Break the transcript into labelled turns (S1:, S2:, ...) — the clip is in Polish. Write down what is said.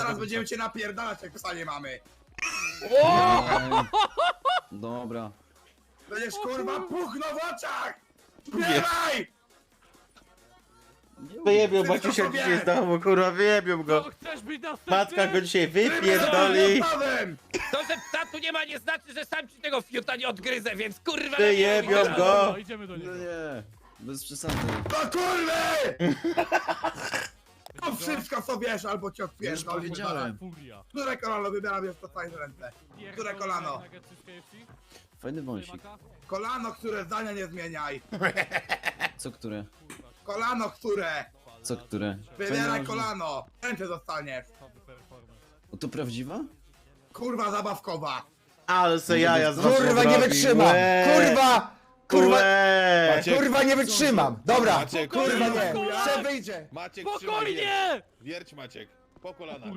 S1: zaraz będziemy cię napierdalać, jak psa nie mamy.
S2: Dobra.
S1: Będziesz kurwa puchnął w oczach! Śpiewaj!
S3: Wyjebią
S1: Wszystko
S3: Maciusia
S1: sobie!
S3: dzisiaj z domu, kurwa, wyjebią go.
S4: Chcesz być następny?
S3: Matka go dzisiaj
S1: Trybem
S3: wypierdoli.
S1: gotowym!
S5: To, że psa tu nie ma, nie znaczy, że sam ci tego fiuta nie odgryzę, więc kurwa...
S3: Wyjebią
S5: lepiej-
S3: go.
S4: Dobra, idziemy do
S2: No
S4: niego.
S2: nie, bez przesady.
S1: To kurwy! To wszystko sobie wiesz, albo cię
S2: Już
S1: odpierdoli.
S2: powiedziałem.
S4: Furia.
S1: Które kolano wybieram, jest to fajne ręce. Które kolano?
S4: Nuggetsy z KFC?
S2: Fajny wąsik.
S1: Kolano, które zdania nie zmieniaj.
S2: Co które?
S1: Kolano, które.
S2: Co które?
S1: Wybieraj
S2: Fajny
S1: kolano. Ręce dostaniesz.
S2: O, to prawdziwa?
S1: Kurwa zabawkowa.
S3: Ale se jaja z was
S6: Kurwa, nie
S3: robi.
S6: wytrzymam!
S3: Łe.
S6: Kurwa! Kurwa!
S3: Łe.
S7: Maciek,
S6: Kurwa, nie wytrzymam! Dobra!
S7: Maciek,
S6: Kurwa, nie!
S4: Spokojnie.
S6: Jeszcze wyjdzie!
S7: Maciek, trzymaj,
S4: Spokojnie!
S7: wierć Maciek, po kolanach.